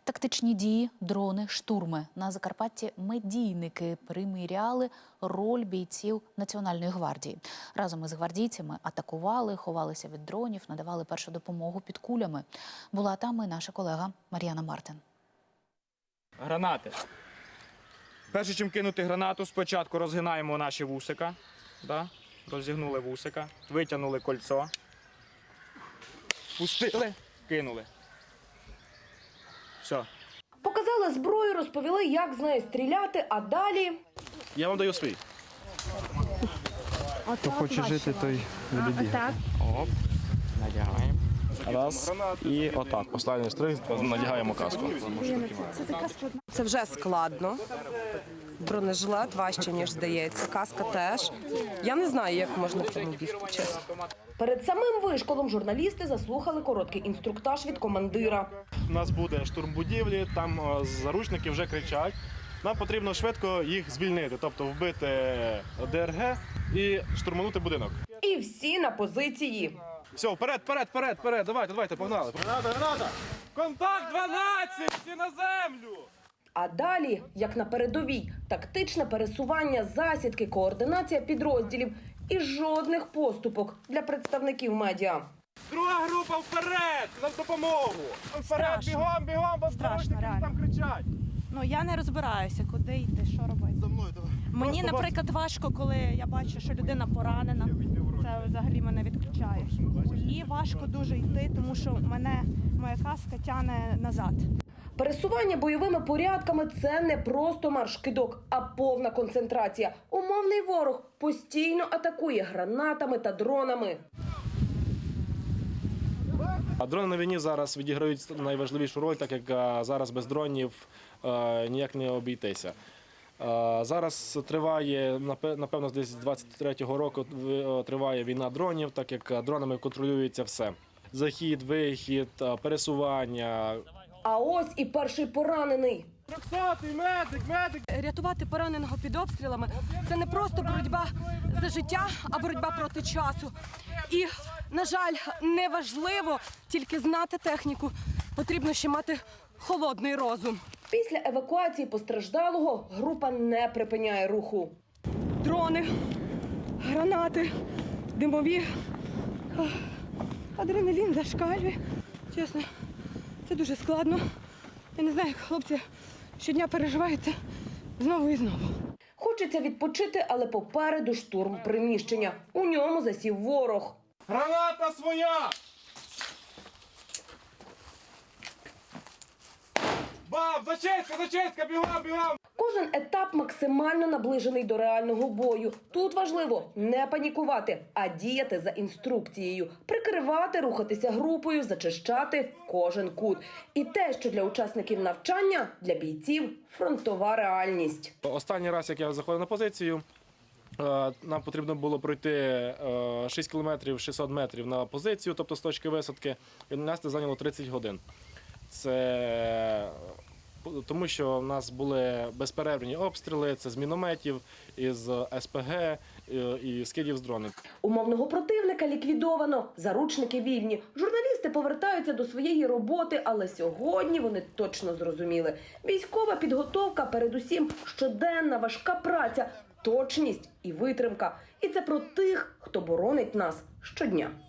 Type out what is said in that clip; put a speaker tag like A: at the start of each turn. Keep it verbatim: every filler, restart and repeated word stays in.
A: Тактичні дії, дрони, штурми. На Закарпатті медійники приміряли роль бійців Національної гвардії. Разом із гвардійцями атакували, ховалися від дронів, надавали першу допомогу під кулями. Була там і наша колега Мар'яна Мартин.
B: Гранати. Перше, чим кинути гранату, спочатку розгинаємо наші вусика. Да? Розігнули вусика, витягнули кольцо, пустили, кинули. Все.
C: Показали зброю, розповіли, як з нею стріляти, а далі...
D: Я вам даю свій.
B: Хто хоче жити, той не бігає. Оп, надягаємо.
D: Раз. І отак. Останній штрих, надягаємо каску.
E: Це вже складно. Бронежилет важче, ніж здається. Каска теж. Я не знаю, як можна в цьому бігти, чесно.
C: Перед самим вишколом журналісти заслухали короткий інструктаж від командира.
D: У нас буде штурм будівлі, там заручники вже кричать. Нам потрібно швидко їх звільнити, тобто вбити ДРГ і штурманути будинок.
C: І всі на позиції.
D: Все, вперед, вперед, вперед, вперед, давайте, давайте, погнали. Граната, граната!
B: Контакт дванадцять! Всі на землю!
C: А далі, як на передовій, тактичне пересування, засідки, координація підрозділів і жодних поступок для представників медіа.
D: Друга група вперед! На допомогу! Вперед,
F: Страшно.
D: бігом, бігом, бо
F: Страшно,
D: заручники
F: реально.
D: там кричать.
F: Ну, я не розбираюся, куди йти, що робити.
D: За мною давай.
F: Мені,
D: Просто
F: наприклад, важко, коли я бачу, що людина поранена. Це взагалі мене відключає. І важко дуже йти, тому що мене моя каска тягне назад.
C: Пересування бойовими порядками – це не просто марш-кидок, а повна концентрація. Умовний ворог постійно атакує гранатами та дронами.
D: А дрони на війні зараз відіграють найважливішу роль, так як а, зараз без дронів а, ніяк не обійтися. А, зараз триває, напевно, десь з двадцять третього року триває війна дронів, так як дронами контролюється все. Захід, вихід, пересування.
C: А ось і перший поранений.
D: трьохсотий медик, медик!
E: Рятувати пораненого під обстрілами – це не просто боротьба за життя, а боротьба проти часу. І, на жаль, не важливо тільки знати техніку, потрібно ще мати холодний розум.
C: Після евакуації постраждалого група не припиняє руху.
E: Дрони, гранати, димові, Ох, адреналін зашкалює. Чесно, це дуже складно. Я не знаю, як хлопці щодня переживають це знову і знову.
C: Хочеться відпочити, але попереду штурм приміщення. У ньому засів ворог.
D: Граната своя! Бам! Зачистка, зачистка! Бігом, бігом!
C: Кожен етап максимально наближений до реального бою. Тут важливо не панікувати, а діяти за інструкцією. Прикривати, рухатися групою, зачищати кожен кут. І те, що для учасників навчання, для бійців – фронтова реальність.
D: Останній раз, як я заходив на позицію, нам потрібно було пройти шість кілометрів шістсот метрів на позицію, тобто з точки висадки, і нас це зайняло тридцять годин. Це тому, що в нас були безперервні обстріли, це з мінометів, із ес пе ге і скидів з дронів.
C: Умовного противника ліквідовано, заручники вільні. Журналісти повертаються до своєї роботи, але сьогодні вони точно зрозуміли. Військова підготовка, передусім щоденна важка праця, точність і витримка. І це про тих, хто боронить нас щодня.